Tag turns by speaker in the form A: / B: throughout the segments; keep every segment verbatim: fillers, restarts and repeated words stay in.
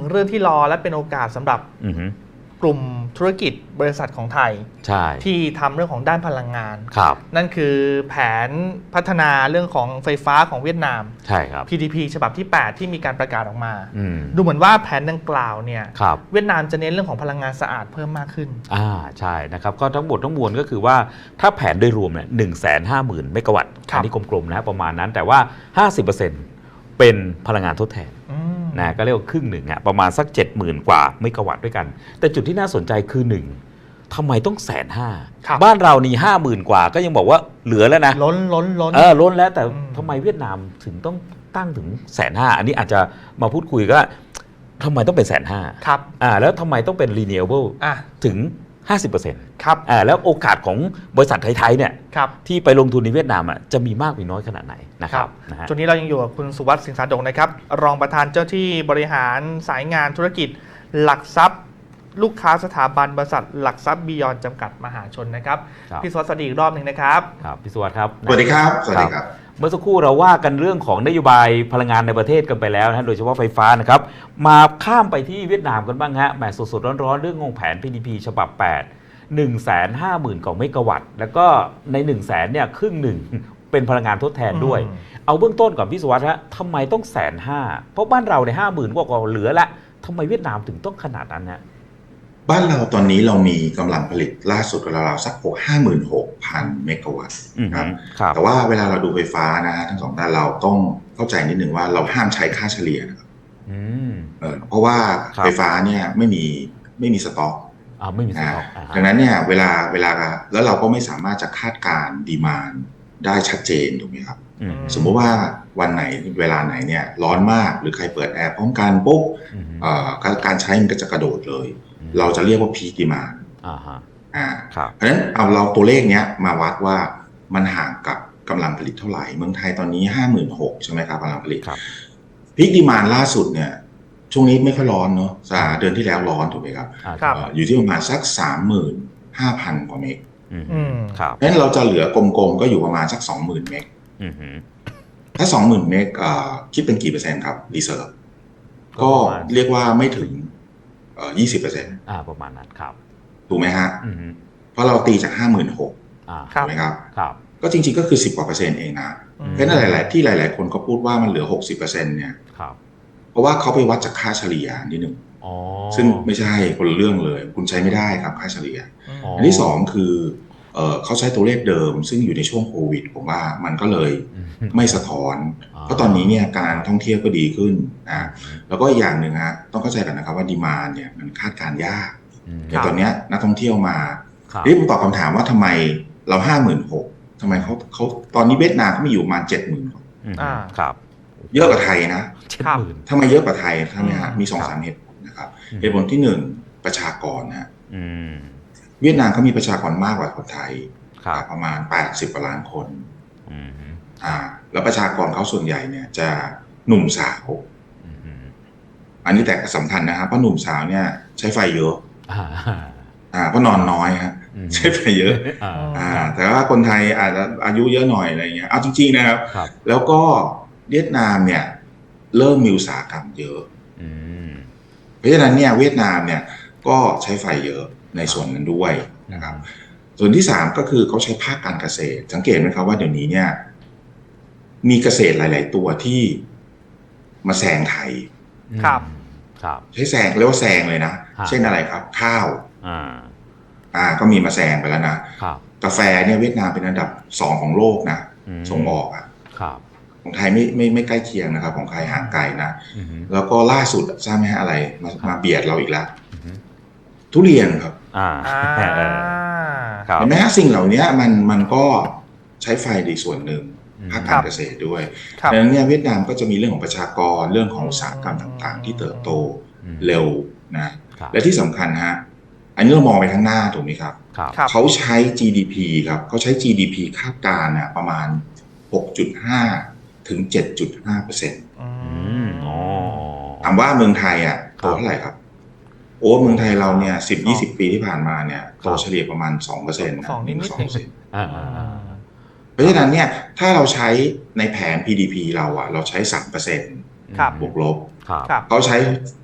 A: เรื่องที่รอและเป็นโอกาสสำหรับกลุ่มธุรกิจบริษัทของไทยที่ทำเรื่องของด้านพลังงานนั่นคือแผนพัฒนาเรื่องของไฟฟ้าของเวียดนาม
B: ใช่ครับ
A: พี ดี พี ฉบับที่แปดที่มีการประกาศออกมาดูเหมือนว่าแผนดังกล่าวเนี่ยเวียดนามจะเน้นเรื่องของพลังงานสะอาดเพิ่มมากขึ้น
B: อ่าใช่นะครับก็ทั้งหมดทั้งมวลก็คือว่าถ้าแผนโดยรวมเนี่ยหนึ่งแสนห้าหมื่นเมกะวัตต์อันนี้กลมๆนะประมาณนั้นแต่ว่า ห้าสิบเปอร์เซ็นต์ เป็นพลังงานทดแทนนะก็เรียกว่าครึ่งหนึ่งอ่ะประมาณสัก เจ็ดหมื่น กว่าเมกะวัตต์ด้วยกันแต่จุดที่น่าสนใจคือหนึ่งทำไมต้องแสนห้าบ้านเรานี่ห้าหมื่นกว่าก็ยังบอกว่าเหลือแล้วนะ
A: ล้นล้นล้น
B: เออล้นแล้วแต่ทำไมเวียดนามถึงต้องตั้งถึงแสนห้าอันนี้อาจจะมาพูดคุยก็ทำไมต้องเป็นแสนห้า
A: ครับ
B: อ่าแล้วทำไมต้องเป็น renewable
A: อ่ะ
B: ถึง ห้าสิบเปอร์เซ็นต์
A: ครับ
B: อ่าแล้วโอกาสของบริษัทไทยๆเนี่ยที่ไปลงทุนในเวียดนามอ่ะจะมีมากหรือน้อยขนาดไหนนะครับนะฮะ
A: จุดนี้เรายังอยู่กับคุณสุวัสดิ์สิงห์สาดงนะครับรองประธานเจ้าที่บริหารสายงานธุรกิจหลักทรัพย์ลูกค้าสถาบันบริษัทหลักทรัพย์บียอนจำกัดมหาชนนะครับพี่สุวัสดิ์สวัสดีอีกรอบหนึ่งนะครับ
B: ครับพี่สุวัสดิ์ครับ
C: สวัสดีครับสวัสดีครับ
B: เมื่อสักครู่เราว่ากันเรื่องของนโยบายพลังงานในประเทศกันไปแล้วนะโดยเฉพาะไฟฟ้านะครับมาข้ามไปที่เวียดนามกันบ้างฮะแหมสดๆร้อนๆเรื่องของแผน พี ดี พี ฉบับแปด หนึ่งแสนห้าหมื่น กว่าเมกะวัตต์แล้วก็ใน หนึ่งแสน เนี่ยครึ่งหนึ่งเป็นพลังงานทดแทนด้วยเอาเบื้องต้นก่อนพี่สุวัสดิ์ฮะทำไมต้องแสนห้าเพราะบ้านเราในห้าหมื่นกว่าเหลือละทำไมเวียดนามถึงต้องขนาดนั้นฮะ
C: บ้านเราตอนนี้เรามีกำลังผลิตล่าสุดราวๆสักห้าหมื่นหกพันเมกะวัตต์ครับแต่ว่าเวลาเราดูไฟฟ้านะฮะทั้งสองด้านเราต้องเข้าใจนิดหนึ่งว่าเราห้ามใช้ค่าเฉลี่ยนะครับเพราะว่าไฟฟ้าเนี่ยไม่มีไม่มีสต็อก
B: อ่าไม่มีสต็อก
C: ดังนั้นเนี่ยเวลาเวลาแล้วเราก็ไม่สามารถจะคาดการณ์ดีมานด์ได้ชัดเจนถูกไหมครับสมมติว่าวันไหนเวลาไหนเนี่ยร้อนมากหรือใครเปิดแอร์พร้อมกันปุ๊บการใช้มันก็จะกระโดดเลยเราจะเรียกว่าพีคดีมานด์
B: อ่าฮะ
C: อ่าเพราะฉะนั้นเอาเราตัวเลขเนี้ยมาวัดว่ามันห่างกับกำลังผลิตเท่าไหร่เมืองไทยตอนนี้ ห้าหมื่นหกพัน ใช่ไหมครับกำลังผลิตพีคดีมานด์ล่าสุดเนี่ยช่วงนี้ไม่ค่อยร้อนเนาะเดือนที่แล้วร้อนถูกไหมครับอยู่ที่ประมาณสัก สามหมื่นห้าพัน กว่าเมกเพราะฉะนั้นเราจะเหลือกลมๆก็อยู่ประมาณสัก สองหมื่น เมกถ้า สองหมื่น เมกคิดเป็นกี่เปอร์เซ็นต์ครับรีเซิร์ฟก็เรียกว่าไม่ถึงเอ่อ ยี่สิบเปอร์เซ็นต์
B: อ่าประมาณนั้นครับ
C: ถูกไหมฮะเพราะเราตีจาก ห้าหมื่นหกพัน ถูกไหมครับ
B: ครับ
C: ก็จริงๆก็คือสิบกว่าเปอร์เซ็นต์เองนะเพราะฉะนั้นหลายๆที่หลายๆคนก็พูดว่ามันเหลือ หกสิบเปอร์เซ็นต์ เนี่ยเพราะว่าเขาไปวัดจากค่าเฉลี่ยนิดนึงซึ่งไม่ใช่คนละเรื่องเลยคุณใช้ไม่ได้ครับค่าเฉลี่ยอันที่สองคือเอ่อเขาใช้ตัวเลขเดิมซึ่งอยู่ในช่วงโควิดผมว่ามันก็เลยไม่สะท้อนเพราะตอนนี้เนี่ยการท่องเที่ยวก็ดีขึ้นนะแล้วก็อย่างหนึ่งฮะต้องเข้าใจกันนะครับว่าดีมานด์เนี่ยมันคาดการยากแต่ตอนนี้นักท่องเที่ยวมาทีนี้ผมตอบคำถามว่าทำไมเราห้าหมื่นหกทำไมเขาเขาตอนนี้เวียดนามเขามีอยู่ประมาณเจ็ดหมื่น
B: อ่าครับ
C: เยอะกว่าไทยนะทำไมเยอะกว่าไทยใช่ไหมฮะมีสองสามเหตุผลนะครับเหตุผลที่หนึ่งประชากรนะฮะเวียดนามเขามีประชากรมากกว่าคนไทยประมาณแปดสิบกว่าล้านคนอ่าแล้วประชากรเขาส่วนใหญ่เนี่ยจะหนุ่มสาวอันนี้แต่สำคัญนะครับเพราะหนุ่มสาวเนี่ยใช้ไฟเยอะอ่าเพราะนอนน้อยฮะใช้ไฟเยอะอ่าแต่ว่าคนไทยอาจจะอายุเยอะหน่อยอะไรเงี้ยเอาจริงๆนะครับแล้วก็เวียดนามเนี่ยเริ่มมีอุตสาหกรรมเยอะเพราะฉะนั้นเนี่ยเวียดนามเนี่ยก็ใช้ไฟเยอะในส่วนนั้นด้วยนะครับส่วนที่สามก็คือเขาใช้ภาคการเกษตรสังเกตไหมครับว่าเดี๋ยวนี้เนี่ยมีเกษตรหลายๆตัวที่มาแซงไทย
A: ครับ
B: ครับ
C: ใช้แซงเรียกว่าแซงเลยนะเช่นอะไรครับข้าว
B: อ่า
C: อ่าก็มีมาแซงไปแล้วนะกาแฟเนี่ยเวียดนามเป็นอันดับสองของโลกนะส่งออกอ่ะ
B: ครับ
C: ของไทยไม่ไม่ไม่ใกล้เคียงนะครับของไทยห่างไกลนะแล้วก็ล่าสุดทราบไหมฮะอะไรมามาเบียดเราอีกแล้วทุเรียนครับ
B: อ่า
C: เห็นไหมฮะสิ่งเหล่านี้มันมันก็ใช้ไฟในส่วนหนึ่งภาคการเกษตรด้วยดังนั้นเนี่ยเวียดนามก็จะมีเรื่องของประชากรเรื่องของอุตสาหกรรมต่างๆที่เติบโตเร็วนะและที่สำคัญฮะอันนี้เรามองไปข้างหน้าถูกไหมครับเขาใช้ จี ดี พี ครับเขาใช้ จี ดี พี คาดการณ์เนี่ยประมาณ หกจุดห้า ถึง เจ็ดจุดห้าเปอร์เซ็นต์ ถามว่าเมืองไทยอ่ะโตเท่าไหร่ครับโอ้เมืองไทยเราเนี่ย สิบ ยี่สิบ ปีที่ผ่านมาเนี่ยโตเฉลี่ยประมาณ สองเปอร์เซ็นต์ นะ
A: สองนิดๆ
C: สองเปอร์เซ็นต์ เพราะฉะนั้นเนี่ยถ้าเราใช้ในแผน พี ดี พี เราอ่ะเราใช้ สามเปอร์เซ็นต์ บวกลบเขาใช้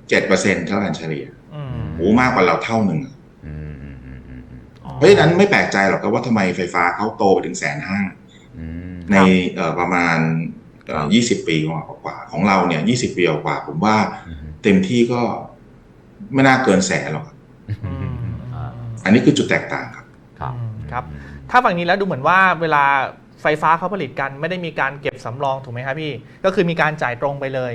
C: เจ็ดเปอร์เซ็นต์เท่ากันเฉลี่ย
A: อืม
C: โอ้มากกว่าเราเท่าหนึ่ง
B: อืมอืมอืมอืมอืม
C: เพราะฉะนั้นไม่แปลกใจหรอกครับว่าทำไมไฟฟ้าเขาโตไปถึงแสนห้า
B: อืม
C: ในเอ่อประมาณเอ่อยี่สิบปีกว่าๆของเราเนี่ยยี่สิบปีกว่าผมว่า
B: อืม
C: เต็มที่ก็ไม่น่าเกินแสนหรอกครับ
A: อืม
B: อ่า
C: อันนี้คือจุดแตกต่างครับ
B: ครับ
A: อืมครับ ถ้าฝั่งนี้แล้วดูเหมือนว่าเวลาไฟฟ้าเขาผลิตกันไม่ได้มีการเก็บสำรองถูกไหมครับพี่ก็คือมีการจ่ายตรงไปเลย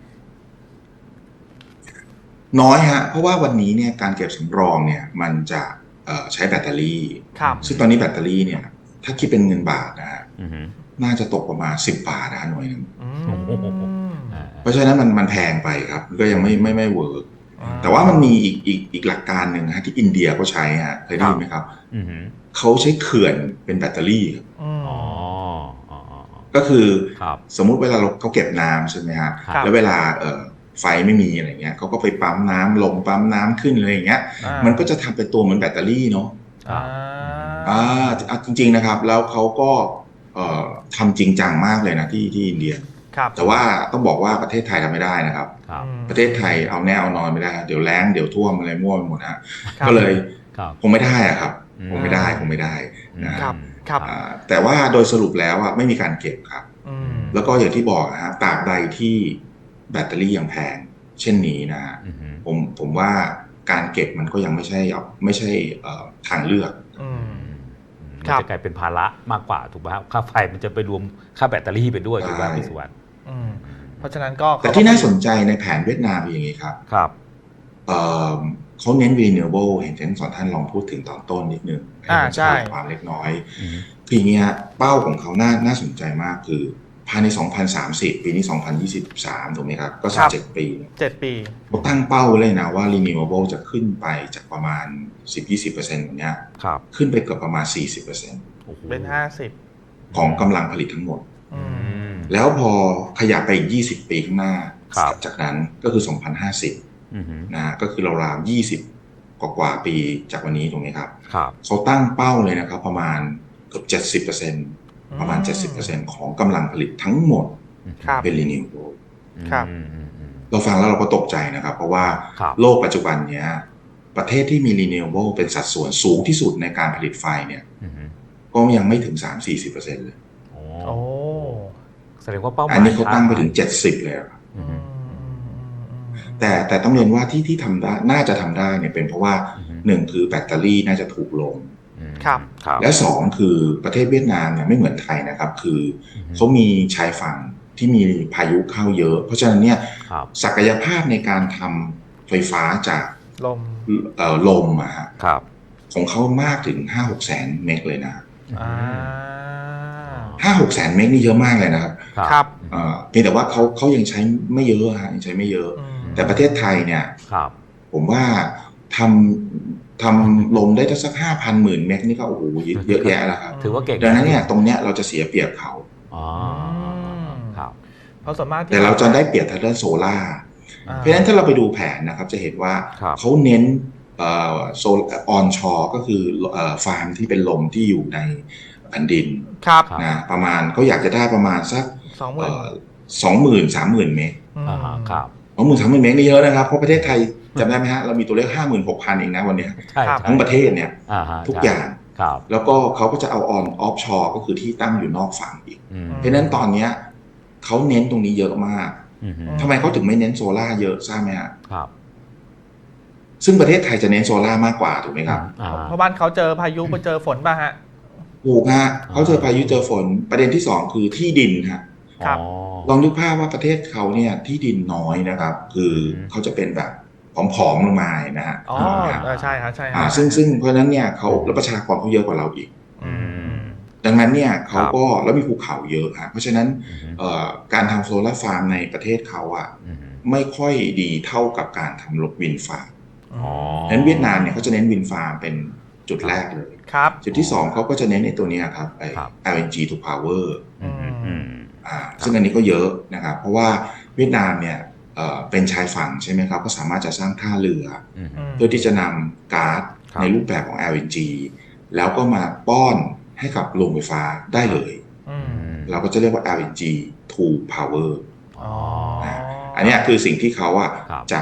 C: น้อยฮะเพราะว่าวันนี้เนี่ยการเก็บสำรองเนี่ยมันจะเอ่อใช้แบตเตอรี่
A: ครับ
C: ซึ่งตอนนี้แบตเตอรี่เนี่ยถ้าคิดเป็นเงินบาทนะฮะ
B: อืม
C: น่าจะตกประมาณสิบบาทนะหน่วยหนึง
A: อื
B: โอ้โห
A: ม
B: อ่า
C: เพราะฉะนั้นมันมันแพงไปครับก็ยังไม่ไม่ไม่เวิร์กแต่ว่ามันมีอีกอีกอีกหลักการหนึ่งฮะที่อินเดียเขาใช้ฮะเคยได้ยินไหมครับ
B: อืม
C: เขาใช้เขื่อนเป็นแบตเตอรี่ครับ
A: อืม
B: อ๋ออ๋ออ๋อ
C: ก็คือ
B: ครับ
C: สมมุติเวลาเราเขาเก็บน้ำใช่ไหมฮะ
A: ครับ
C: แล้วเวลาเอ่อไฟไม่มีอะไรเงี้ยเขาก็ไปปั๊มน้ำลงปั๊มน้ำขึ้นอะไรอย่างเงี้ย
A: อ่า
C: มันก็จะทำเป็นตัวเหมือนแบตเตอรี่เนาะ
B: ครับ
C: อ่าอ่าจริง ๆนะครับ แล้วเขาก็เอ่อทำจริงจังมากเลยนะที่ที่อินเดีย
A: ครับ
C: แต่ว่าต้องบอกว่าประเทศไทยทำไม่ได้นะครับ
B: ครับ
A: อืม
C: ประเทศไทยเอาแน่เอานอนไม่ได้ เดี๋ยวแล้งเดี๋ยวท่วมอะไรมั่วไปหมดฮะ
A: ครับ
C: ก็เลย
B: ครับ
C: คงไม่ได้อะครับ
B: อืม
C: คงไม่ได้คงไม่ได้นะ
A: ค
C: ค
A: รั
C: รั
A: บบ ครับ
C: อ่าแต่ว่าโดยสรุปแล้วอ่ะไม่มีการเก็บครับ
A: อืม
C: แล้วก็อย่างที่บอกนะฮะตราบใดที่แบตเตอรี่ยังแพงเช่นนี้นะฮะ
B: อืม
C: ผมผมว่าการเก็บมันก็ยังไม่ใช่ไม่ใช่เอ่อทางเลือก
A: อืม
B: มัน
A: ครับ
B: จะกลายเป็นภาระมากกว่าถูกไหมครับค่าไฟมันจะไปรวมค่าแบตเตอรี่ไปด้วยถูกไหม
C: ใช่
B: พี่สุวรรณ
A: อืมเพราะฉะนั้นก็
C: แต่ที่น่าสนใจในแผนเวียดนามเป็นอย่างนี้ครับ
B: ครับ
C: เอ่อเขาเน้น renewable เห็นทั้งสองท่านลองพูดถึงตอนต้นนิดนึง
A: อ่าใช่
C: ห้ผมขยายความเล็กน้อย
B: อืม
C: คืออย่างนี้ฮะเป้าของเขาน่าน่าสนใจมากคือภายใน สองพันสามสิบ ปีนี้ สองพันยี่สิบสาม ถูกไหมครับ ก็สิบเจ็ดปี
A: เจ็ดปี
C: เขาตั้งเป้าเลยนะว่า renewable จะขึ้นไปจากประมาณ สิบถึงยี่สิบเปอร์เซ็นต์ ตรงเนี้ย
B: ครับ
C: ขึ้นไปเกือบประมาณ สี่สิบเปอร์เซ็นต์
B: โอ้โห
A: เป็นห้าสิบ
C: ของกำลังผลิตทั้งหมด
A: อื
B: อื
A: ม
B: ม
C: แล้วพอขยับไปอีก ยี่สิบ ปีข้างหน้า
B: ครับ
C: จากนั้นก็คือ สองพันห้าสิบ
B: อืม
C: นะฮะก็คือราวๆยี่สิบ กว่าๆปีจากวันนี้ตรงนี้ครับ
B: ครับ
C: เขาตั้งเป้าเลยนะครับประมาณเกือบ เจ็ดสิบเปอร์เซ็นต์ ประมาณ เจ็ดสิบเปอร์เซ็นต์ ของกำลังผลิตทั้งหมด
A: ครับ
C: เป็น renewable
A: ครับ
B: อืมอืมอืม
C: เราฟังแล้วเราก็ตกใจนะครับ เพราะว่า
B: ครับ
C: โลกปัจจุบันเนี้ยประเทศที่มี renewable เป็นสัดส่วนสูงที่สุดในการผลิตไฟเนี่ย
B: อืม
C: ก็ยังไม่ถึง สามถึงสี่สิบเปอร์เซ็นต์ เลย
B: โอ้
A: โอ้
B: แสดงว่าเป้าหมาย
C: อันนี้เขาตั้งไปถึง เจ็ดสิบ เลยครับ
B: อื
A: อื
B: ม
A: มอืมอืมอืม
C: แต่แต่ต้องเรียนว่าที่ที่ทำได้น่าจะทำได้เนี่ยเป็นเพราะว่า
B: อืม
C: หนึ่งคือแบตเตอรี่น่าจะถูกลง
B: อืม
A: ครับ
B: ครับ
C: และสองคือประเทศเวียดนามเนี่ยไม่เหมือนไทยนะครับ คืออ
B: ม
C: เขามีชายฝั่งที่มีพายุเข้าเยอะ เพราะฉะนั้นเนี่ย
B: ครับ
C: ศักยภาพในการทำไฟฟ้าจาก
A: ลม
C: เอ่อลมอะฮะ
B: ครับ
C: ของเขามากถึง ห้าหกแสนเมกเลยนะ
A: อ่า
C: ห้าหกแสนเมกนี่เยอะมากเลยนะครับ
A: ครับ
C: เอ่อเพียงแต่ว่าเขาเขายังใช้ไม่เยอะฮะยังใช้ไม่เยอะ
A: อืม
C: แต่ประเทศไทยเนี่ย
B: ครับ
C: ผมว่าทำทำลมได้สักห้าพันหมื่นเมกนี่ก็โอ้โหเยอะแยะแล้วครับ
B: ถือว่าเก่ง
C: ดังนั้นเนี่ยตรงเนี้ยเราจะเสียเปรียบเขา
B: อ๋อครับ
A: เพราะส่วนมากที่
C: แต่เราจะได้เปรียบทางด้านโซล่าร์
A: อ่า
C: เพราะฉะนั้นถ้าเราไปดูแผนนะครับจะเห็นว่า
B: ครับ
C: เขาเน้นเอ่อโซลออนชอก็คือเอ่อฟาร์มที่เป็นลมที่อยู่ในแผ่นดิน
A: ครับ
B: ครับ
C: นะประมาณเขาอยากจะได้ประมาณสัก
A: สองหมื่น
C: สองหมื่นสามหมื่นเมก
B: อ่าฮะครับ
C: สองหมื่นสามหมื่นเมกนี่เยอะนะครับเพราะประเทศไทยจำได้ไหมฮะเรามีตัวเลขห้าหมื่นหกพันเองนะวันเนี้ย
B: ใช่
A: ครับ
B: ใช่
C: ทั้งประเทศเนี่ย
B: อ่าฮะ
C: ทุกอย่าง
B: ครับ
C: แล้วก็เขาก็จะเอาออนออฟชอก็คือที่ตั้งอยู่นอกฝั่งอีก
B: อืม
C: เพราะฉะนั้นตอนเนี้ยเขาเน้นตรงนี้เยอะมาก
B: อืม
C: ทำไมเขาถึงไม่เน้นโซล่าร์เยอะทราบไหมฮะ
B: ครับ
C: ซึ่งประเทศไทยจะเน้นโซล่าร์มากกว่าถูกไหมครับ
B: อ่า
A: เพราะบ้านเขาเจอพายุไปเจอฝนป่ะฮะ
C: ถูกฮะเขาเจอพายุเจอฝนประเด็นที่สองคือที่ดินฮะ
A: ครับ
B: อ๋อ
C: ลองนึกภาพว่าประเทศเขาเนี่ยที่ดินน้อยนะครับ คือเขาจะเป็นแบบผอมๆลงมานะฮะ
A: อ๋อ
C: นะฮะ
A: เออใช่ครับใช่ค
C: อ่า
A: รับ
C: ซึ่งซึ่งเพราะฉะนั้นเนี่ยเขาแล้วประชากรเขาเยอะกว่าเราอีก
A: อืม
C: ดังนั้นเนี่ยเขาก็แล้วมีภูเขาเยอะฮะเพราะฉะนั้น
B: อืม
C: เอ่อการทำโซลาร์ฟาร์มในประเทศเขาอะ
B: อืม
C: ไม่ค่อยดีเท่ากับการทำรถวินฟาร์ม
B: อ๋อ
C: ดังนั้นเวียดนามเนี่ยเขาจะเน้นวินฟาร์มเป็นจุดแรกเลย
A: ครับ
C: จุดที่สองเขาก็จะเน้นในตัวเนี้ยครับไอ้
B: ครับ
C: แอล เอ็น จี to power
B: อืมอืม
C: อ่าซึ่งอันนี้ก็เยอะนะครับ เพราะว่าเวียดนามเนี่ยเอ่อเป็นชายฝั่งใช่ไหมครับ ก็สามารถจะสร้างท่าเรือ
B: อืม
C: เพื่อที่จะนำก๊าซ
B: ครับ
C: ในรูปแบบของ แอล เอ็น จี แล้วก็มาป้อนให้กับโรงไฟฟ้าได้เลย
A: อืม
C: เราก็จะเรียกว่า แอล เอ็น จี to power
A: อ๋อ
C: อันเนี้ยคือสิ่งที่เขาอะ
B: ครับ
C: จะ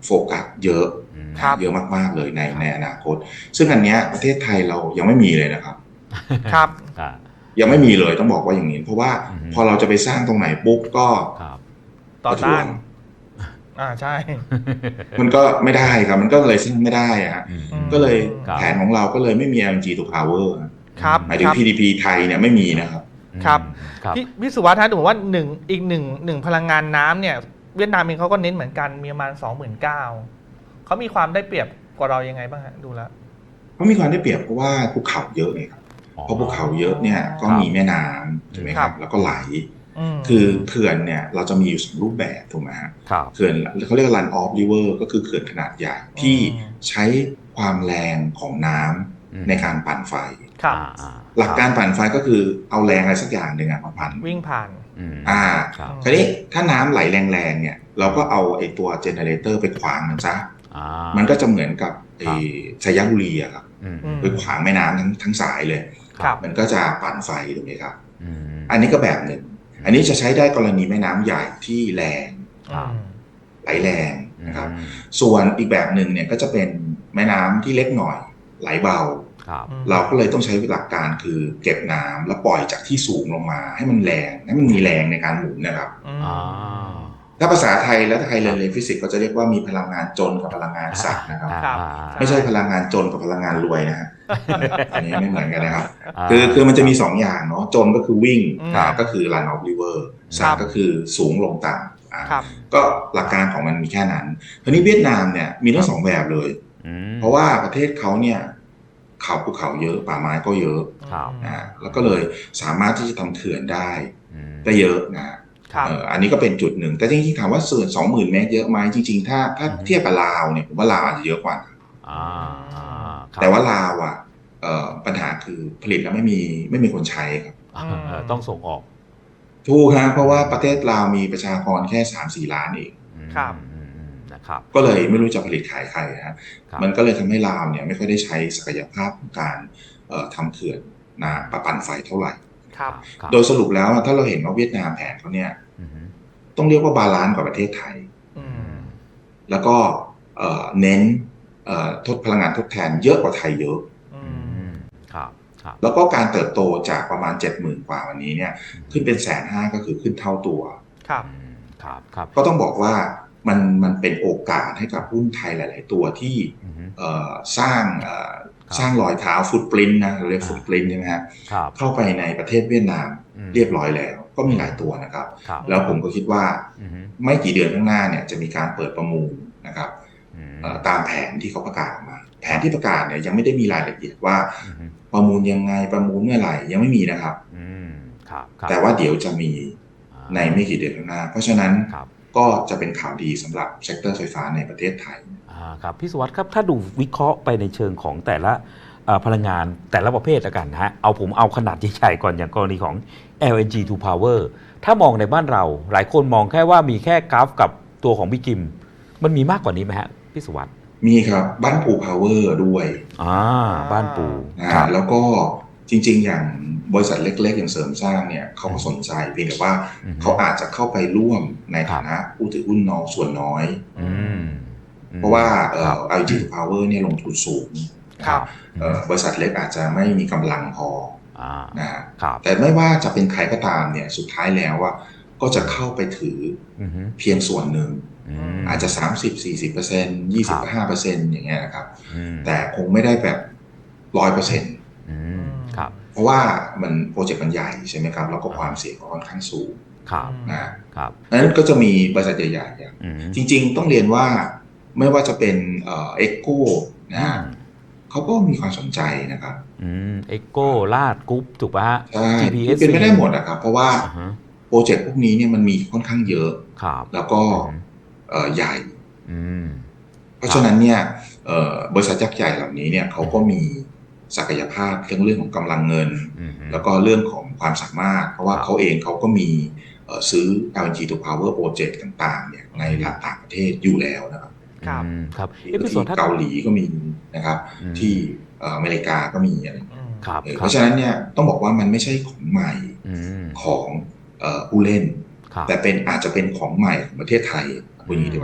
C: โฟกัสเยอะ
A: ครับ
C: เยอะมากๆเลยในในอนาคต ซึ่งอันเนี้ยประเทศไทยเรายังไม่มีเลยนะครับ
A: ครับ
C: ยังไม่มีเลยต้องบอกว่าอย่างนี้เพราะว่า
B: อืม
C: พอเราจะไปสร้างตรงไหนปุ๊บก็
B: ครับ
A: ต่อ
C: ประท้ว
A: ต้าง นอ่าใช่
C: มันก็ไม่ได้ครับมันก็เลยซึ่งไม่ได้อะฮะ
B: อืม
C: ก็เลย
B: ครับ
C: แผนของเราก็เลยไม่มี แอล เอ็น จี to power
A: ครับ
C: หมายถึง
A: ครับ
C: พี ดี พี ไทยเนี่ยไม่มีนะครับ
A: ครับ
B: ครับ
A: พี่พี่สุวัสดิ์ฮะผมว่าหนึ่งอีกหนึ่งหนึ่งพลังงานน้ำเนี่ยเวียดนามเองเขาก็เน้นเหมือนกันมีประมาณสองหมื่นเก้าเขามีความได้เปรียบกว่าเรายังไงบ้างฮะดูแล้ว
C: เพราะมีความได้เปรียบเพราะว่าภูเขาเยอะไงครับเพราะภูเขาเยอะเนี่ยก็มีแม่น้ำถูกไหมครับแล้วก็ไหล
A: ม
C: คือเขื่อนเนี่ยเราจะมีอยู่สองรูปแบบถูกไหมฮะ
B: ครับ
C: เขื่อนเขาเรียก run off river ก็คือเขื่อนขนาดใหญ่ที่ใช้ความแรงของน้ำในการปั่นไฟ
A: ครับ
B: อ่า
C: หลักการปั่นไฟก็คือเอาแรงอะไรสักอย่างหนึ่งอะมาปั่น
A: วิ่งผ่าน
B: อืม
C: อ่า
B: ครับ
C: คราวนี้ถ้าน้ำไหลแรงๆเนี่ยเราก็เอาไอ้ตัวเจเนเรเตอร์ไปขวางมันซะ
B: อ่า
C: มันก็จะเหมือนกับไอ้
B: ครับ
C: สยบุรีอะครับ
B: อืม
A: อืม
C: ไปขวางแม่น้ำทั้งทั้งสายเลย
A: ครับ
C: มันก็จะปั่นไฟถูกไหมครับ
B: อืม
C: อันนี้ก็แบบหนึ่งอันนี้จะใช้ได้กรณีแม่น้ำใหญ่ที่แรง
B: ครับ
A: อืม
C: ไหลแรงนะครับ
B: อืม
C: ส่วนอีกแบบหนึ่งเนี่ยก็จะเป็นแม่น้ำที่เล็กหน่อยไหลเบา
B: ครับ
A: อืม
C: เราก็เลยต้องใช้หลักการคือเก็บน้ำแล้วปล่อยจากที่สูงลงมาให้มันแรงให้มันมีแรงในการหมุนนะครับ
A: อืม
B: อ่า
C: ถ้าภาษาไทยแล้วถ้าใครเรียนเรียนฟิสิกส์ก็จะเรียกว่ามีพลังงานจนกับพลังงานสัตว์นะครับ
A: ครับ
B: อ่า
C: ไม่ใช่พลังงานจนกับพลังงานรวยนะฮะ อันนี้ไม่เหมือนกันนะครับ
B: า
C: คือคือมันจะมีสองอย่างเนาะจนก็คือวิ่ง
A: อืม
C: นะก็คือ run off river สัตว์ก็คือสูงลงต่ำอ่า
A: ครับ
C: ก็หลักการของมันมีแค่นั้นทีนี้เวียดนามเนี่ยมีทั้งสองแบบเลย
B: อืม
C: เพราะว่าประเทศเขาเนี่ยเขาภูเขาเยอะป่าไม้ก็เยอะ
B: ครับ
C: นะแล้วก็เลยสามารถที่จะทำเขื่อนได้
B: อืม
C: ได้เยอะนะครับ เอ่ออันนี้ก็เป็นจุดหนึ่งแต่จริงๆถามว่าส่วนสองหมื่นเมตรเยอะไหมจริงๆถ้าถ้า
B: อืม
C: เทียบกับลาวเนี่ยผมว่าลาวอาจจะเยอะกว่า
B: อ่าอ่าครับ
C: แต่ว่าลาวอ่ะเอ่อปัญหาคือผลิตแล้วไม่มีไม่มีคนใช้ครับ
B: อ่าเออต้องส่งออก
C: ถูกฮะเพราะว่าประเทศลาวมีประชากรแค่ สามสี่ ล้านเอง
B: อืม
A: ครับ
B: อืมอืมนะครับ
C: ก็เลยไม่รู้จะผลิตขายใครฮะ
B: ครับ
C: มันก็เลยทำให้ลาวเนี่ยไม่ค่อยได้ใช้ศักยภาพของการเอ่อทำเขื่อนนะประปั่นไฟเท่าไหร่
A: ครับ
B: ครับ
C: โดยสรุปแล้วถ้าเราเห็นว่าเวียดนามแผนเขาเนี่ย
B: อืม
C: ต้องเรียกว่าบาลานซ์กว่าประเทศไทย
A: อืม
C: แล้วก็เอ่อเน้นเอ่อทดพลังงานทดแทนเยอะกว่าไทยเยอะ
A: อื
B: อื
A: ม
B: มครับครับ
C: แล้วก็การเติบโตจากประมาณ เจ็ดหมื่น กว่าวันนี้เนี่ยขึ้นเป็นแสนห้าก็คือขึ้นเท่าตัว
A: ครับ
B: อืมครับครับ
C: ก็ต้องบอกว่ามันมันเป็นโอกาสให้กับหุ้นไทยหลาย ๆ ตัวที่
B: อืม
C: เอ่อสร้างเอ่อ
B: ครับ
C: สร้างรอยเท้าฟุตปรินต์นะเราเรียก
B: อ่า
C: ฟุตปรินต์ใช่ไหมฮะ
B: ครับ
C: เข้าไปในประเทศเวียดนาม
B: อืม
C: เรียบร้อยแล้ว ก็มีหลายตัวนะครับ
B: ครับ
C: แล้วผมก็คิดว่า
B: อืม
C: ไม่กี่เดือนข้างหน้าเนี่ยจะมีการเปิดประมูลนะครับ
B: อืม
C: เอ่อตามแผนที่เขาประกาศออกมา แผนที่ประกาศเนี่ยยังไม่ได้มีรายละเอียดว่า
B: อืม
C: ประมูลยังไงประมูลเมื่อไหร่ยังไม่มีนะครับ
B: อืมครับครับ
C: แต่ว่าเดี๋ยวจะมี
B: อ่า
C: ในไม่กี่เดือนข้างหน้า เพราะฉะนั้น
B: ครับ
C: ก็จะเป็นข่าวดีสำหรับเซกเตอร์ไฟฟ้าในประเทศไทย
B: อ่าครับพี่สุวัสดิ์ครับถ้าดูวิเคราะห์ไปในเชิงของแต่ละเอ่อพลังงานแต่ละประเภทละกันนะฮะเอาผมเอาขนาดใหญ่ๆก่อนอย่างกรณีของ แอล เอ็น จี to power ถ้ามองในบ้านเราหลายคนมองแค่ว่ามีแค่กราฟกับตัวของพี่กิม มันมีมากกว่านี้ไหมฮะพี่สุวัสดิ์
C: มีครับบ้านปูพาวเวอร์ด้วย
B: อ่าบ้านปู
C: นะ
B: ครั
C: ฮะ
B: บ
C: แล้วก็จริง ๆ อย่างบริษัทเล็ก ๆ อย่างเสริมสร้างเนี่ยเขาก็สนใจเพียงแต่ว่า
B: อืม
C: เขาอาจจะเข้าไปร่วมในฐานะ
B: ครับ
C: ผู้ถือหุ้นน้อยส่วนน้อย
B: อืม
C: เพราะว่าเอ่
B: ครั
C: อบ แอล จี to power เนี่ยลงทุนสูง
A: ครับ
C: เอ่อบริษัทเล็กอาจจะไม่มีกำลังพอ
B: อ่า
C: นะฮะ
B: ครับ
C: แต่ไม่ว่าจะเป็นใครก็ตามเนี่ยสุดท้ายแล้วว่าก็จะเข้าไปถือ
B: อืม
C: เพียงส่วนหนึ่ง
B: อืม
C: อาจจะ สามสิบ สี่สิบเปอร์เซ็นต์ ยี่สิบ ห้าเปอร์เซ็นต์ อย่างเงี้ยนะครับ
B: อืม
C: แต่คงไม่ได้แบบ ร้อยเปอร์เซ็นต์
B: อืมครับ
C: เพราะว่ามันโปรเจกต์มันใหญ่ใช่ไหมครับ แล้วก็ความเสี่ยงก็ค่อนข้างสูง
B: ครับ
C: นะครับ นั้นก็จะมีบริษัทใหญ่ๆอย่าง
B: อืม
C: จริงๆต้องเรียนว่าไม่ว่าจะเป็นเอ่อ Echo นะฮะเขาก็มีความสนใจนะครับ
B: อืมเอ็กโก้ลาดกรุ๊ปถูกป่ะฮะ
C: ใช่
B: จี พี เอส
C: เป็นไม่ได้หมดนะครับ เพราะว่า
B: อ่าฮะ
C: โปรเจกต์พวกนี้เนี่ยมันมีค่อนข้างเยอะ
B: ครับ
C: แล้วก็
B: อืม
C: เอ่อใหญ่
B: อืม
C: เพราะฉะนั้นเนี่ยเอ่อบริษัทยักษ์ใหญ่เหล่านี้เนี่ยเขาก็มีศักยภาพเรื่องเรื่องของกำลังเงิน
B: อืม
C: แล้วก็เรื่องของความสามารถ เพราะว่า
B: ครับ
C: เขาเองเขาก็มีเอ่อซื้อ แอล เอ็น จี to power project ต่างๆเนี่ยในต่างประเทศอยู่แล้วนะครับ
A: ครับ
B: อืมครับเอะพี่ส
C: ที่
B: นถ้า
C: เกาหลีก็มีนะครับ
B: อืม
C: ที่เอ่ออเมริกาก็มีอะไร
A: อืม
B: ครับ
C: เออ
B: ค
C: เพ
B: รับ
C: ราะฉะนั้นเนี่ยต้องบอกว่ามันไม่ใช่ของใหม่
B: อืม
C: ของเอ่อผู้เล่น
B: ครับ
C: แต่เป็นอาจจะเป็นของใหม่ของประเทศไทยพูดอย่างนี้ดีกว่า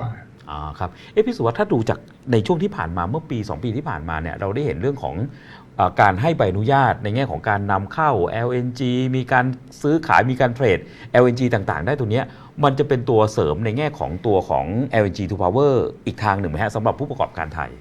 B: อ่าครับเอ๊ะพี่สุวัสดิ์ถ้าดูจากในช่วงที่ผ่านมาเมื่อปีสองปีที่ผ่านมาเนี่ยเราได้เห็นเรื่องของเอ่อการให้ใบอนุญาตในแง่ของการนำเข้า แอล เอ็น จี มีการซื้อขายมีการเทรด แอล เอ็น จี ต่างๆได้ตัวเนี้ยมันจะเป็นตัวเสริมในแง่ของตัวของ แอล เอ็น จี to power อีกทางหนึ่งไหมฮะสำหรับผู้ประกอบการไทย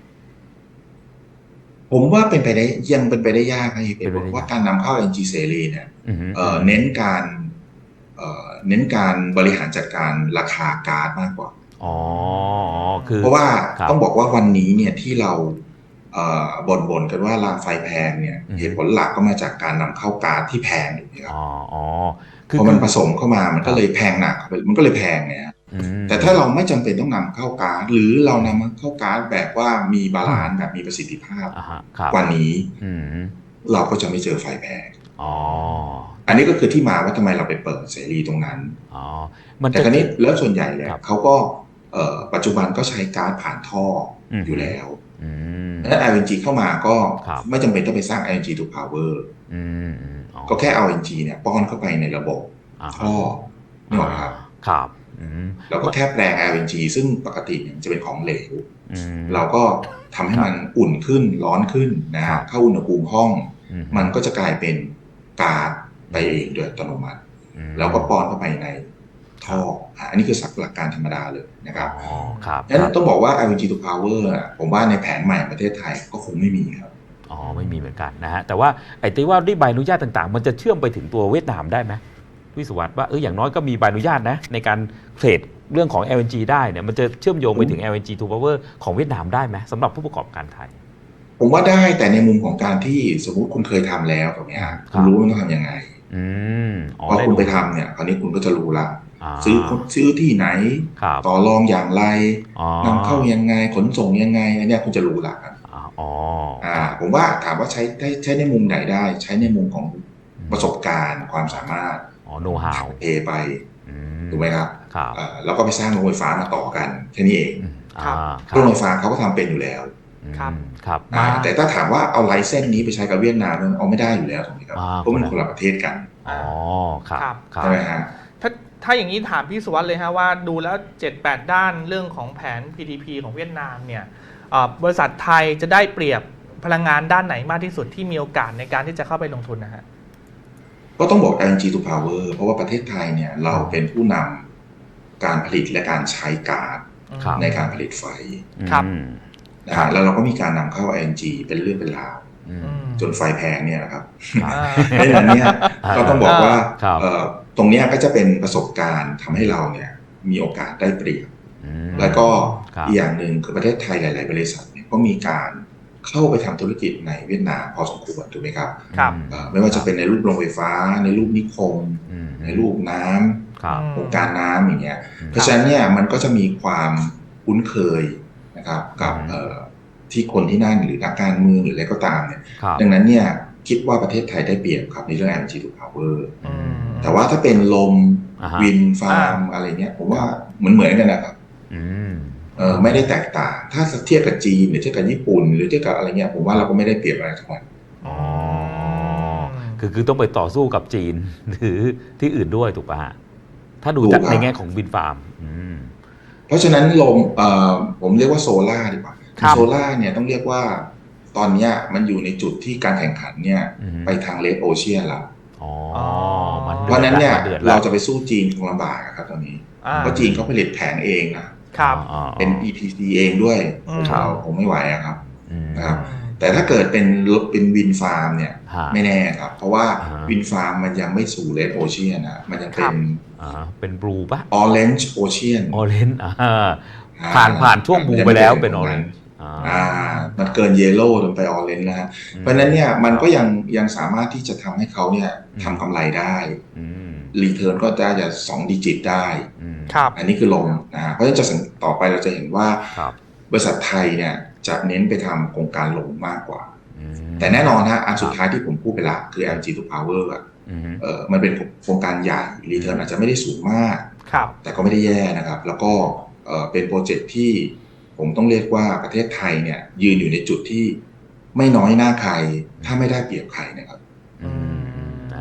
C: ผมว่าเป็นไปได้ยังเป็นไปได้ยากนะเหตุ
B: เป็นไปได้ยาก
C: ว่าการนำเข้า เอ็น จี เสรีเนี่ย
B: อือฮึ
C: เอ่อเน้นการเอ่อเน้นการบริหารจัดการราคาก๊าซมากกว่า
B: อ๋อคือ
C: เพราะว่า
B: ครับ
C: ต้องบอกว่าวันนี้เนี่ยที่เราเอ่อบ่นๆกันว่ารางไฟแพงเนี่ย
B: อือฮึ
C: เหตุผลหลักก็มาจากการนำเข้าก๊าซที่แพงถูกไหมครับ
B: อ๋ออ๋อ
C: พอมันผสมเข้ามามันก็เลยแพงหนักเข้าไปมันก็เลยแพงไงฮะ
B: อืม
C: แต่ถ้าเราไม่จำเป็นต้องนำเข้าก๊าซหรือเรานำเข้าก๊าซแบบว่ามีบาลานซ์แบบมีประสิทธิภาพ
B: อ่าฮะครับ
C: กว่านี้
B: อืม
C: เราก็จะไม่เจอไฟแพง
B: อ๋อ
C: อันนี้ก็คือที่มาว่าทำไมเราไปเปิดเสรีตรงนั้น
B: อ๋อมัน
C: แต่
B: จะ
C: คราวนี้แล้วส่วนใหญ่เนี่ย
B: ครับ
C: เขาก็เอ่อปัจจุบันก็ใช้ก๊าซผ่านท่ออ
B: ม
C: อยู่แล้ว
B: อืม
C: ดังนั้น แอล เอ็น จี เข้ามาก็
B: ครับ
C: ไม่จำเป็นต้องไปสร้าง แอล เอ็น จี to power
B: อืมอืมอ๋อ
C: ก็แค่เอา แอล เอ็น จี เนี่ยป้อนเข้าไปในระบบ
B: อ่าฮะ
C: ท่อนี่หรอกครับ
B: ครับอืม
C: แล้วก็แค่แปลง แอล เอ็น จี ซึ่งปกติเนี่ยจะเป็นของเหลว
B: อืม
C: เราก็ทำให้มันอุ่นขึ้นร้อนขึ้นนะ
B: ครั
C: ฮะ
B: บ
C: เข้าอุณหภูมิห้อง
B: อื
C: มันก็จะกลายเป็นก๊าซไปเองโดยอัตโนมัติ
B: อืม
C: แล้วก็ป้อนเข้าไปในท่ออ่ะอันนี้คือหลักการธรรมดาเลยนะครับ
B: อ๋อครับ
C: ฉะนั้
B: ครับ
C: นต้องบอกว่า แอล เอ็น จี to power อ่ะผมว่าในแผนใหม่ประเทศไทยก็คงไม่มีครับ
B: อ๋อไม่มีเหมือนกันนะฮะแต่ว่าไอ้ที่ว่าด้วยใบอนุญาตต่างๆ มันจะเชื่อมไปถึงตัวเวียดนามได้ไหมวิศวัตว่าเอออย่างน้อยก็มีใบอนุญาตนะในการเทรดเรื่องของ แอล เอ็น จี ได้เนี่ยมันจะเชื่อมโยงไปถึง แอล เอ็น จี to power ของเวียดนามได้ไหมสำหรับผู้ประกอบการไทย
C: ผมว่าได้แต่ในมุมของการที่สมมุติคุณเคยทำแล้วตรงนี้ฮะ
B: ค
C: คุ
B: รั
C: ณ
B: บ
C: รู้ว่าต้องทำยังไง
B: อืมอ๋อ
C: พอ
B: ได้
C: คุณ
B: ดู
C: ไปทำเนี่ยคราวนี้คุณก็จะรู้ละ
B: า
C: ซื้อซื้อที่ไหน
B: ครับ
C: ต่อรองอย่างไร
B: อ๋อน
C: ำเข้ายังไงขนส่งยังไงอันเนี้ยคุณจะรู้ละครับ
B: อ่าอ๋อ
C: อ่าผมว่าถามว่าใช้ได้ใช้ในมุมไหนได้ ใช้ในมุมของประสบการณ์ความสามารถ
B: อ๋อ know how
C: เทไป
B: อื
C: ถูกไหมครับ
B: ครับ
C: อ่าแล้วก็ไปสร้างโรงไฟฟ้ามาต่อกันแค่นี้เอง
B: อืม
A: ครับ
B: อ่าค
C: โรงไฟ
B: รับ
C: ฟ้าเขาก็ทำเป็นอยู่แล้ว
A: ครับ
B: อืมครับ
C: อ่า
A: อ่า
C: แต่ถ้าถามว่าเอาไลเซนส์นี้ไปใช้กับเวียดนามมันเอาไม่ได้อยู่แล้วถูกไหมครับ
B: อ่า
C: เพราะมันคนละประเทศกัน
B: อ๋อครับ
A: ครับ
B: ครับ
C: ใช่ไหมฮะ
A: ถ้าถ้าอย่างนี้ถามพี่สุวัสดิ์เลยฮะว่าดูแล้ว เจ็ดแปด ด้านเรื่องของแผน พี ที พี ของเวียดนามเนี่ยเอ่อบริษัทไทยจะได้เปรียบพลังงานด้านไหนมากที่สุดที่มีโอกาสในการที่จะเข้าไปลงทุนนะฮะ
C: ก็ต้องบอก แอล เอ็น จี to power เพราะว่าประเทศไทยเนี่ยเราเป็นผู้นำการผลิตและการใช้ก๊าซ
B: ครับ
C: ในการผลิตไฟ
A: ครับ
B: อืม
C: นะ
B: ครั
C: ฮะ
B: บ
C: แล้วเราก็มีการนำเข้า แอล เอ็น จี เป็นเรื่องเป็นราว
B: อืม
A: อืม
C: จนไฟแพงเนี่ยนะครับ
B: ครับ
A: อ่า
C: ดังนั้นเนี่ยก็ต้องบอกว่า
B: ครับ
C: เอ่อตรงเนี้ยก็จะเป็นประสบการณ์ทำให้เราเนี่ยมีโอกาสได้เปรียบ
B: อืม
C: แล้วก็
B: ครับ
C: อีกอย่างหนึ่งคือประเทศไทยหลาย ๆ บริษัทเนี่ยก็มีการเข้าไปทำธุรกิจในเวียดนามพอสมควรถูกไหมครับ
A: ครับ
C: เอ่อไม่ว่าจะเป็นในรูปโรงไฟฟ้า ในรูปนิคม
B: อืม
C: ในรูปน้ำ
B: ครับ
C: โครงการน้ำอย่างเงี้ย
B: อืม
C: เพราะฉะนั้นเนี่ยมันก็จะมีความคุ้นเคยนะครับกับ
B: อืม
C: เอ่อที่คนที่นั่นหรือนักการเมืองหรืออะไรก็ตามเนี่ย
B: ครับ
C: ดังนั้นเนี่ยคิดว่าประเทศไทยได้เปรียบครับในเรื่อง แอล เอ็น จี to power
A: อืม
C: แต่ว่าถ้าเป็นลม
B: อ่าฮะ
C: วินฟาร์มอะไรเงี้ยผมว่าเหมือนเหมือนกันนะครับ
B: อืม
C: เออไม่ได้แตกต่าง ถ้าเทียบกับจีนหรือเทียบกับญี่ปุ่นหรือเทียบกับอะไรเงี้ยผมว่าเราก็ไม่ได้เปรียบอะไรทั้งนั้น
B: อ๋อ คือคือต้องไปต่อสู้กับจีน หรือที่อื่นด้วยถูกป่ะฮะ ถ้าดูจากในแง่ของวินฟาร์ม อืม
C: เพราะฉะนั้นลมเอ่อผมเรียกว่าโซล่าดีกว่า
A: ครับ
C: โซล่าเนี่ยต้องเรียกว่าตอนเนี้ยมันอยู่ในจุดที่การแข่งขันเนี่ย
B: อืม
C: ไปทางเลดโอเชียนแล้ว
B: อ๋อ
A: อ๋อ
B: มัน
C: เพราะฉะนั้นเนี่ย
B: ดือด
C: เรา
B: แล้ว
C: จะไปสู้จีนคงลำบากอะครับตอนนี้
A: อ่า
C: เพราะจีนเขาผลิตแผงเองนะครับ
B: อ๋อ
C: เป็น อี พี ซี เองด้วย
A: อืม
C: เราคงไม่ไหวอะครับ
B: อืม
C: นะครับ แต่ถ้าเกิดเป็นรถเป็นวินฟาร์มเนี่ย
B: ฮะ
C: ไม่แน่ครับ เพราะว่า
B: อ่าฮะ
C: วินฟาร์มมันยังไม่สู่เลดโอเชียนนะมันยังเป็
A: ครั
C: น
A: บ
B: อ่าเป็นบลูป่ะ
C: ออเรนจ์โอเชียน
B: ออเรนจ์อ่าผ่านผ่านช่วงบลูไปแล้วเป็นออเรนจ์
C: อ่ามันเกินเยลโล่จนไปออเรนจ์แล้วฮะเพราะฉะนั้นเนี่ยมันก็ยังยังสามารถที่จะทำให้เขาเนี่ยทำกำไรได้
B: อืม
C: รีเทิร์นก็ได้จะสองดิจิตได้
B: อืม
A: ครับ
C: อันนี้คือลงนะฮะเพราะฉะนั้นจะสังต่อไปเราจะเห็นว่า
B: ครับ
C: บริษัทไทยเนี่ยจะเน้นไปทำโครงการลงมากกว่า
B: อืม
C: แต่แน่นอนฮะอันสุดท้ายที่ผมพูดไปละคือ แอล จี to power อ่ะ
B: อืม
C: เออมันเป็นโครงการใหญ่รีเทิร์นอาจจะไม่ได้สูงมาก
A: ครับ
C: แต่ก็ไม่ได้แย่นะครับ แล้วก็เอ่อเป็นโปรเจกต์ที่ผมต้องเรียกว่าประเทศไทยเนี่ยยืนอยู่ในจุดที่ไม่น้อยหน้าใครถ้าไม่ได้เปรียบใครนะครับ
B: อืมอ่านะครับ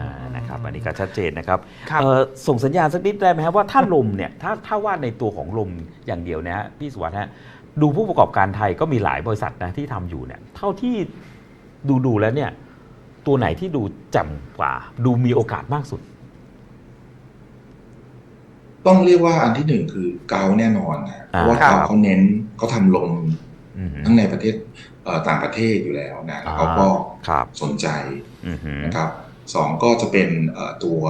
B: ครับอันนี้ก็ชัดเจนนะครับ
A: ครับ
B: เอ่อส่งสัญญาณสักนิดได้ไหมครับว่าถ้าลมเนี่ยถ้าถ้าว่าในตัวของลมอย่างเดียวนะฮะพี่สุวัสดิ์ฮะดูผู้ประกอบการไทยก็มีหลายบริษัทนะที่ทำอยู่เนี่ยเท่าที่ดูดูแล้วเนี่ยตัวไหนที่ดูแจ่มกว่า ดูมีโอกาสมากสุด
C: ต้องเรียกว่าอันที่หนึ่งคือเกาแน่นอนนะเพราะว่า
A: ครั
C: เกา
A: บ
C: เขาเน้นเขาทำลง
B: อืม
C: ทั้งในประเทศเอ่อต่างประเทศอยู่แล้วนะแล้วเขาก็
B: ครับ
C: สนใจ
B: อือหือ
C: นะครับสองก็จะเป็นเอ่อตัว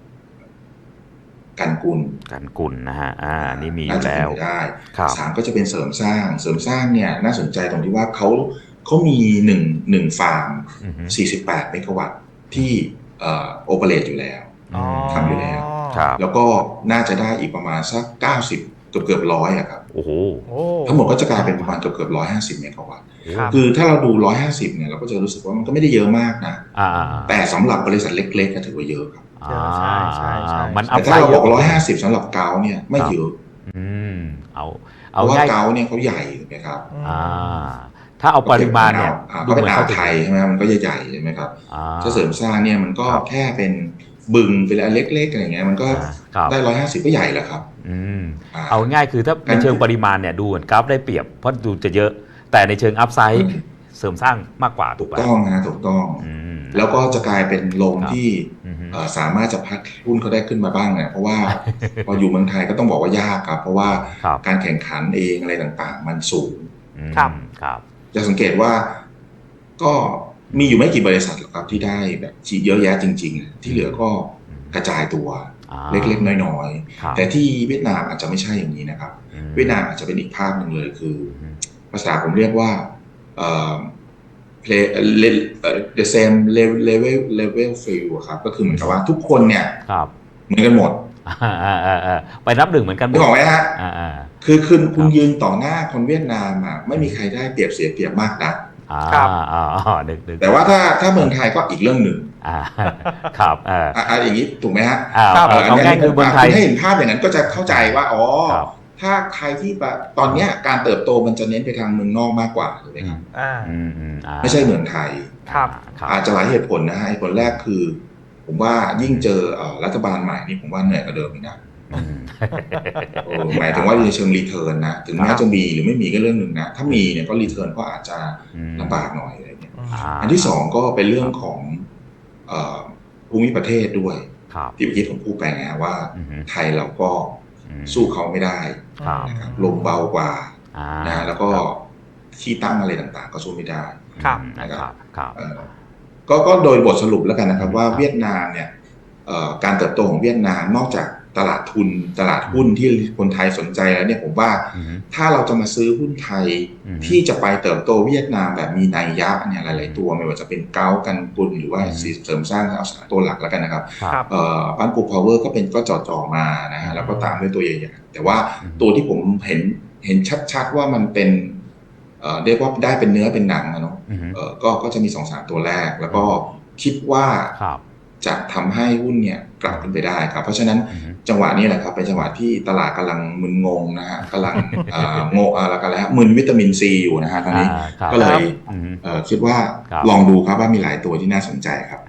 C: กันกุล
B: การกุลนะฮะอ่านี่มีอ
C: น่า
B: ยู่
C: จะ
B: แล้ว
C: เป็นไปได้
B: ครับ
C: สามก็จะเป็นเสริมสร้างเสริมสร้างเนี่ยน่าสนใจตรงที่ว่าเขาเขามีหนึ่งหนึ่งฟาร์ม
B: อือหือ
C: สี่สิบแปดเมกะวัตต์ที่เอ่อโอเปเรตอยู่แล้ว
A: อ๋อ
C: ทำอยู่แล้ว
B: ครับ
C: แล้วก็น่าจะได้อีกประมาณสักเก้าสิบเกือบเกือบร้อยอะครับ
B: โอ้โห
A: โอ้
C: ทั้งหมดก็จะกลายเป็นประมาณเกือบเกือบร้อยห้าสิบเมกะวัตต์
A: ครับ
C: คือถ้าเราดูร้อยห้าสิบเนี่ยเราก็จะรู้สึกว่ามันก็ไม่ได้เยอะมากนะ
B: อ่า
C: แต่สำหรับบริษัทเล็กๆก็ถือว่าเยอะครับ
A: เยอะใช่ใช่ใช่
B: มันอั
C: แต่
B: พ
C: ถ้า
B: ไซ
C: เรา
B: ด์
C: บอกร้อยห้าสิบสำหรับเกาเนี่ยไม่เยอะ
B: อืมเอา
C: เพ
B: เอา
C: ราะว่า
B: ง่าย
C: เกาเนี่ยเขาใหญ่ถูกไหมครับ
A: อืม
B: อ่าถ้าเอาปริมาณเนี่ย
C: อ่าก็เป็นอ่าวไทยใช่ไหมมันก็ใหญ่ๆใช่ไหมครับ
B: อ่า
C: ถ้าเสริมสร้างเนี่ยมันก็
B: ครับ
C: แค่เป็นบึงเป็นอะไรเล็กๆอะไรอย่างเงี้ยมันก็
B: อ่าครับ
C: ได้ร้อยห้าสิบก็ใหญ่แล้วครับ
B: อืม
C: อ่า
B: เอาง่ายคือถ้าในเชิงปริมาณเนี่ยดูเหมือนกราฟได้เปรียบเพราะดูจะเยอะ แต่ในเชิงอัพไซด์เสริมสร้างมากกว่าถู
C: ถู
B: ก
C: ก
B: ป่ะ
C: ต้องนะถูกต้อง
B: อืม
C: แล้วก็จะกลายเป็นลม
B: ครับ
C: ที่
B: อือฮึ
C: เอ่อสามารถจะพัดหุ้นเขาได้ขึ้นมาบ้างเนี่ยเพราะว่า พออยู่เมืองไทยก็ต้องบอกว่ายากครับเพราะว่า
B: ครับ
C: การแข่งขันเองอะไรต่างๆ มันสูง
B: อืม
A: ครับ
B: ครับ
C: จะสังเกตว่าก็มีอยู่ไม่กี่บริษัทหรอกครับที่ได้แบบเยอะแยะจริงๆ ที่เหลือก็กระจายตัว
B: อ่า
C: เล็กๆน้อย
B: ครับ
C: ๆแต่ที่เวียดนามอาจจะไม่ใช่อย่างนี้นะครับ
B: อืม
C: เวียดนามอาจจะเป็นอีกภาพหนึ่งเลยคือ
B: อืม
C: ภาษาผมเรียกว่าเอ่อ play เอ่อ the same level level level field อะครับก็คือเหมือนกับว่าทุกคนเนี่ย
B: ครับ
C: เหมือนกันหมด
B: อ่าอ่าอ่าอ่าไปนับหนึ่งเหมือนกันหม
C: นึ
B: ด
C: กออกไหมฮะ
B: อ่าอ่า
C: คือคุณคุณ
B: ครับ
C: ยืนต่อหน้าคนเวียดนามอ่ะไม่มีใครได้เปรียบเสียเปรียบมากนะ
B: อ่า
A: ครับ
B: อ่าอ่านึกนึก
C: แต่ว่าถ้าถ้าเมืองไทยก็อีกเรื่องหนึ่ง
B: อ่าครับเออ
C: อ่ะอ่ะอย่างนี้ถูกไหมฮะ
B: อ่า
A: ครับ
B: เอาเอาง่ายคือเมืองไทย
C: ณให้เห็นภาพอย่างนั้นก็จะเข้าใจว่าอ๋อ
B: ครับ
C: ถ้าใครที่แบบตอนเนี้ยการเติบโตมันจะเน้นไปทางเมืองนอกมากกว่าถูกไหมครับ
A: อ่า
B: อืมอืมอ่า
C: ไม่ใช่เมืองไทย
A: ครับ
B: ครับ
C: อาจจะหลายเหตุผลนะฮะเหตุผลแรกคือ ผมว่ายิ่งเจอเอ่อรัฐบาลใหม่นี่ผมว่าเหนื่อยกว่าเดิมอีกนะ
B: อืม
C: โอ้หมายถึงว่าในเชิงรีเทิร์นนะถึงแม้จะมีหรือไม่มีก็เรื่องหนึ่งนะถ้ามีเนี่ยก็รีเทิร์นก็อาจจะ
B: อืม
C: ลำบากหน่อยอะไรเงี้ย
B: า
C: อันที่สองก็เป็นเรื่องของเอ่อภูมิประเทศด้วย
B: ครับ
C: ที่เมื่อกี้ผมพูดไปไงว่า
B: อือฮึ
C: ไทยเราก็
B: อืม
C: สู้เขาไม่ได้
B: ครับ
C: นะครับลมเบากว่า
B: อ่า
C: นะแล้วก็ที่ตั้งอะไรต่างๆ ก็สู้ไม่ได้
A: ครับ
B: อืมนะครับครับ
C: เอ่อก็ก็โดยบทสรุปแล้วกันนะครับว่า
B: ครับ
C: เวียดนามเนี่ยเอ่อการเติบโตของเวียดนามนอกจากตลาดทุนตลาดหุ้นที่คนไทยสนใจแล้วเนี่ยผมว่า
B: อืม
C: ถ้าเราจะมาซื้อหุ้นไทย
B: อืม
C: ที่จะไปเติบโตเวียดนามแบบมีนัยยะเนี่ยหลายๆตัวไม่ว่าจะเป็นเก้ากันกุลหรือว่า
B: อืม
C: เสริมสร้างเอาสามตัวหลักแล้วกันนะครับ
A: ครับ
C: เอ่อบ้านปูพาวเวอร์ก็เป็นก็จ่อๆมานะฮะแล้วก็ตามด้วยตัวใหญ่ๆแต่ว่าตัวที่ผมเห็นเห็นชัดๆว่ามันเป็นเอ่อเรียกว่าได้เป็นเนื้อเป็นหนังนะเนาะ
B: อืม
C: เอ่อก็ก็จะมีสองสามตัวแรก แล้วก็คิดว่า
B: ครับ
C: จะทำให้หุ้นเนี่ยกลับขึ้นไปได้ครับ เพราะฉะนั้น
B: อืม
C: จังหวะนี้แหละครับเป็นจังหวะที่ตลาดกำลังมึนงงนะฮะกำลังเอ่อโงอะไรกันแล้วมึนวิตามินซีอยู่นะฮะตอนนี้
B: อ่าครับ
C: ก็เลย
B: อืม
C: เอ่อคิดว่า
B: ครับ
C: ลองดูครับว่ามีหลายตัวที่น่าสนใจครับ